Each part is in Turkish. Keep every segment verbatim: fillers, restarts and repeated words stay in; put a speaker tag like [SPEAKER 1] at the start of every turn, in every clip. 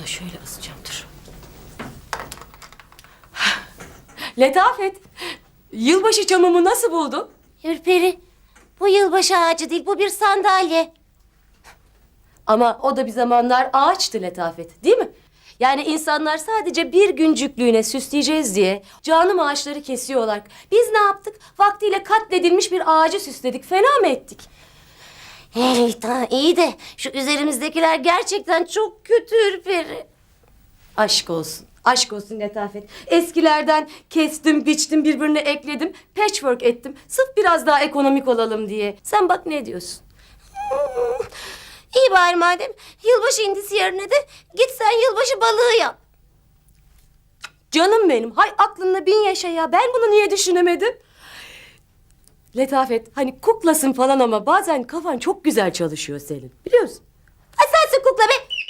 [SPEAKER 1] da şöyle asacağım, dur. Letafet, yılbaşı çamımı nasıl buldun?
[SPEAKER 2] Ürperi, bu yılbaşı ağacı değil, bu bir sandalye.
[SPEAKER 1] Ama o da bir zamanlar ağaçtı Letafet, değil mi? Yani insanlar sadece bir güncüklüğüne süsleyeceğiz diye canım ağaçları kesiyorlar. Biz ne yaptık? Vaktiyle katledilmiş bir ağacı süsledik. Fena mı ettik?
[SPEAKER 2] Hey, tamam, iyi de şu üzerimizdekiler gerçekten çok kötü Ürperi.
[SPEAKER 1] Aşk olsun. Aşk olsun Letafet. Eskilerden kestim, biçtim, birbirine ekledim. Patchwork ettim. Sırf biraz daha ekonomik olalım diye. Sen bak ne diyorsun?
[SPEAKER 2] Hmm, İyi bari madem. Yılbaşı indisi yerine de git sen yılbaşı balığı yap.
[SPEAKER 1] Canım benim. Hay aklınla bin yaşa ya. Ben bunu niye düşünemedim? Letafet, hani kuklasın falan ama bazen kafan çok güzel çalışıyor senin. Biliyorsun.
[SPEAKER 2] Ay sensin kukla be.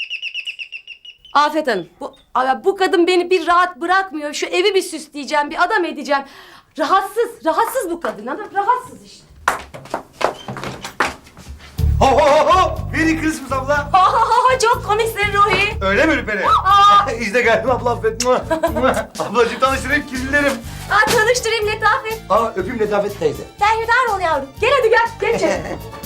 [SPEAKER 1] Afet Hanım, bu, bu kadın beni bir rahat bırakmıyor. Şu evi bir süsleyeceğim, bir adam edeceğim. Rahatsız, rahatsız bu kadın hanım. Rahatsız işte.
[SPEAKER 3] Ho ho ho ho! Merry Christmas abla.
[SPEAKER 1] Ha ha ha, çok komiksin Ruhi.
[SPEAKER 3] Öyle mi Ürperi? işte geldim abla affet. Ablacığım tanıştırayım kirlilerim.
[SPEAKER 1] Ha, tanıştırayım Letafet.
[SPEAKER 3] Aa öpeyim Letafet teyze.
[SPEAKER 1] Berhudar ol yavrum. Gel hadi gel, gel içeri.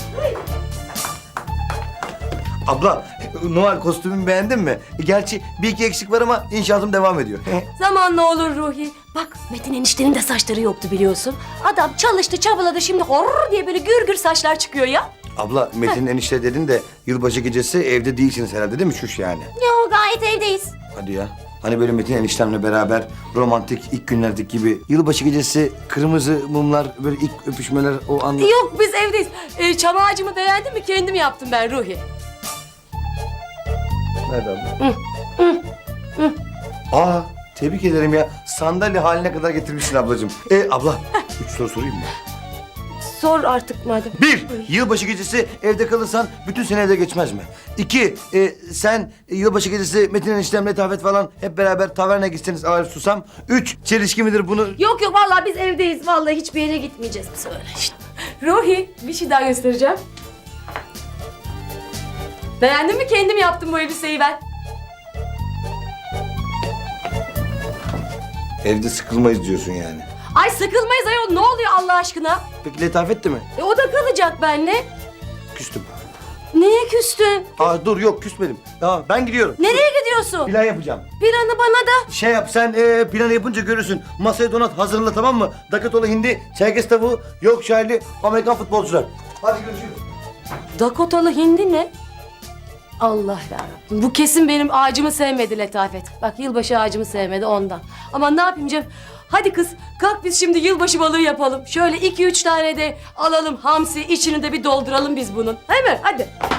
[SPEAKER 3] Abla Noel kostümümü beğendin mi? Gerçi bir iki eksik var ama inşaatım devam ediyor.
[SPEAKER 1] Zamanla olur Ruhi. Bak Metin eniştenin de saçları yoktu biliyorsun. Adam çalıştı, çabaladı, şimdi horror diye böyle gür gür saçlar çıkıyor ya.
[SPEAKER 3] Abla Metin enişte dedin de yılbaşı gecesi evde değilsiniz herhalde değil mi şuş yani?
[SPEAKER 2] Yo, gayet evdeyiz.
[SPEAKER 3] Hadi ya. Hani böyle Metin eniştemle beraber romantik ilk günlerdeki gibi yılbaşı gecesi kırmızı mumlar böyle ilk öpüşmeler o anlar.
[SPEAKER 1] Yok, biz evdeyiz. Ee, çam ağacımı beğendin mi? Kendim yaptım ben Ruhi.
[SPEAKER 3] Nerede abla? Aa tebrik ederim ya. Sandalye haline kadar getirmişsin ablacığım. E abla üç soru sorayım mı?
[SPEAKER 1] Sor artık madem.
[SPEAKER 3] Bir, yılbaşı gecesi evde kalırsan bütün sene evde geçmez mi? İki, e, sen e, yılbaşı gecesi Metin eniştem, Letafet falan hep beraber tavernaya gitseniz Arif Susam. Üç, çelişki midir bunu?
[SPEAKER 1] Yok yok, vallahi biz evdeyiz. Vallahi hiçbir yere gitmeyeceğiz biz öyle işte. Ruhi, bir şey daha göstereceğim. Beğendin mi? Kendim yaptım bu elbiseyi ben.
[SPEAKER 3] Evde sıkılmayız diyorsun yani.
[SPEAKER 1] Ay sıkılmayız ayol, ne oluyor Allah aşkına?
[SPEAKER 3] Peki Letafet de mi?
[SPEAKER 1] E, o da kalacak benimle.
[SPEAKER 3] Küstüm.
[SPEAKER 1] Neye küstün?
[SPEAKER 3] Aa dur yok küsmedim. Tamam ben gidiyorum.
[SPEAKER 1] Nereye gidiyorsun?
[SPEAKER 3] Plan yapacağım.
[SPEAKER 1] Planı bana da.
[SPEAKER 3] Şey yap sen e, planı yapınca görürsün. Masaya donat hazırla tamam mı? Dakotolu hindi, Çerkez tavuğu, Yorkshire'li Amerikan futbolcular. Hadi görüşürüz.
[SPEAKER 1] Dakotalı hindi ne? Allah yarabbim. Bu kesin benim ağacımı sevmedi Letafet. Bak yılbaşı ağacımı sevmedi ondan. Ama ne yapayım canım? Hadi kız kalk biz şimdi yılbaşı balığı yapalım. Şöyle iki üç tane de alalım hamsi, içini de bir dolduralım biz bunun. Değil mi? Hadi.